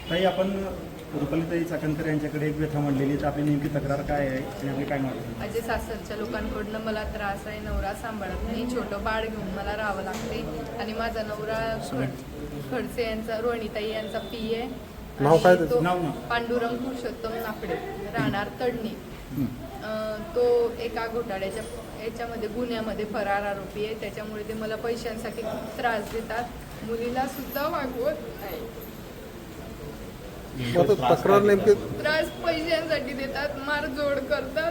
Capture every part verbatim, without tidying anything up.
ताई, आपण रुपालीताई चाकणकर यांच्याकडे एक व्यथा मांडलेली, तर आपली नेमकी तक्रार काय आहे आणि आपली काय मागणी? माझे सासरच्या लोकांकडनं मला त्रास आहे. नवरा सांभाळत नाही, छोटं बाळ घेऊन मला राहावं लागते आणि माझा नवरा खड खडसे यांचा, रोहिणीताई यांचा पी आहे. नाव काय तो नाव ना? पांडुरंग पुरुषोत्तम नापडे, राहणार तडणी. अं, तो एका घोटाळ्याच्या याच्यामध्ये गुन्ह्यामध्ये फरार आरोपी आहे. त्याच्यामुळे ते मला पैशांसाठी खूप त्रास देतात. मुलीला सुद्धा वागवत नाही. तक्रार नेमकी त्रास पैशांसाठी देतात, मारझोड करतात.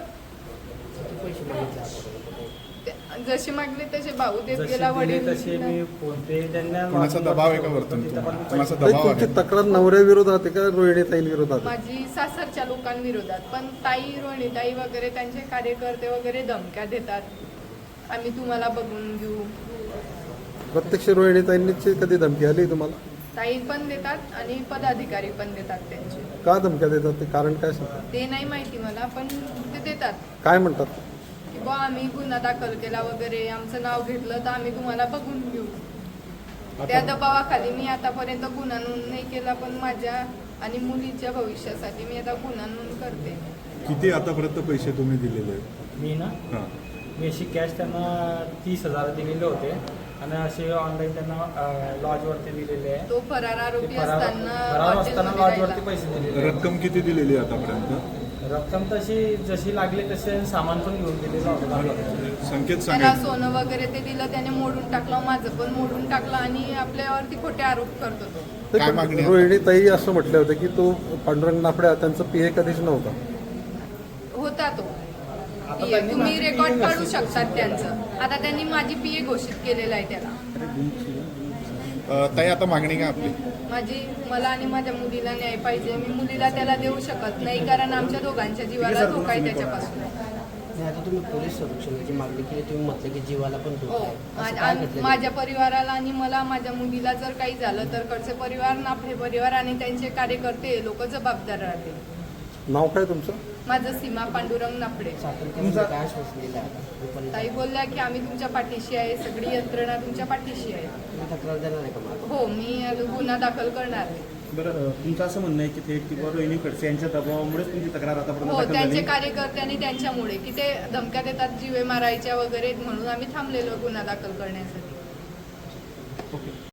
जसे मागले तसे भाऊ देत गेला, वडील तसे मी फोन पे त्यांना कोणाचा दबाव आहे का वरतून? कोणाचा ताई, दबाव तुमची आहे? तक्रार नवऱ्याविरोधात आहे का रोहिणीताईंविरोधात आहे? माझी सासरच्या लोकांविरोधात. पण ताई, रोहिणीताई वगैरे त्यांचे कार्यकर्ते वगैरे धमक्या देतात, आम्ही तुम्हाला बघून घेऊ. प्रत्यक्ष रोहिणीताईंची कधी धमकी आली तुम्हाला? ताई पण देतात आणि पदाधिकारी पण देतात त्यांचे. का धमक्या देतात ते कारण काय सांगतात? ते नाही माहिती मला, पण ते देतात काय म्हणतात? की बा आम्ही गुन्हा दाखल केला वगैरे, आमचं नाव घेतलं तर आम्ही तुम्हाला बघून घेऊ. त्या दबावाखाली मी आतापर्यंत गुन्हा नोंद नाही केला, पण माझ्या आणि मुलीच्या भविष्यासाठी मी आता गुन्हा नोंद करते. किती आतापर्यंत पैसे तुम्ही दिलेले आहेत? मी ना हां. मी अशी कॅश त्यांना तीस हजार दिलेले होते आणि असे ऑनलाईन त्यांना लॉजवरती दिलेले आहे. तो फरार आरोपी ते फरार असताना फरार असताना हॉटेलमध्ये लॉजवरती राहिला. पैसे दिलेले आहे. रक्कम किती दिलेली आहे आतापर्यंत? रक्कम तशी जशी लागली तसे सामान पण घेऊन दिलेलं होतं. संकेत त्याला सांगा. सोनं वगैरे ते दिलं, त्याने मोडून टाकलं, माझं पण मोडून टाकलं आणि आपल्यावरती खोटे आरोप करतो तो. ते काय पण मागणी आहे? रोहिणीताई असं म्हटलं होतं की तो पांडुरंग नाफड्या त्यांचा पीए कधीच नव्हता. होता तो आता पीए. त्यांनी तुम्ही माझी रेकॉर्ड PA काढू घोषित शकतात त्यांचं. आता त्यांनी माझी पीए घोषित केलेलं आहे त्याला. अ, ताई, आता मागणी काय आपली? माझी मला आणि माझ्या मुलीला न्याय पाहिजे. मी मुलीला त्याला देऊ शकत नाही, कारण आमच्या दोघांच्या जीवाला धोका आहे त्याच्यापासून. नाही, आता तुम्ही पोलीस संरक्षणाची मागणी केली, तुम्ही म्हटलं की जीवाला पण हो, धोका आहे. असं मा- काय आम- घडलं? माझ्या परिवाराला आणि मला, माझ्या मुलीला जर काही झालं तर कडचे परिवार, नाफे परिवार आणि त्यांचे कार्यकर्ते लोक जबाबदार राहतील. नाव काय तुमचं? माझं सीमा पांडुरंग नाफडे. सातारकरांनी काय आश्वासन दिलं आहे आता? रुपाली ताई बोलल्या की आम्ही तुमच्या पाठीशी आहे, सगळी यंत्रणा तुमच्या पाठीशी आहे. तुम्ही तक्रार देणार आहे का मला? हो, मी आता गुन्हा दाखल करणार आहे. बरं, तुमचं असं म्हणणं आहे की थेट किंवा रोहिणी खडसे यांच्या दबावामुळेच तुमची तक्रार आतापर्यंत हो, दाखल त्यांचे झाली? कार्यकर्ते आणि त्यांच्यामुळे की ते धमक्या देतात जीवे मारायच्या वगैरे, म्हणून आम्ही थांबलेलो गुन्हा दाखल करण्यासाठी.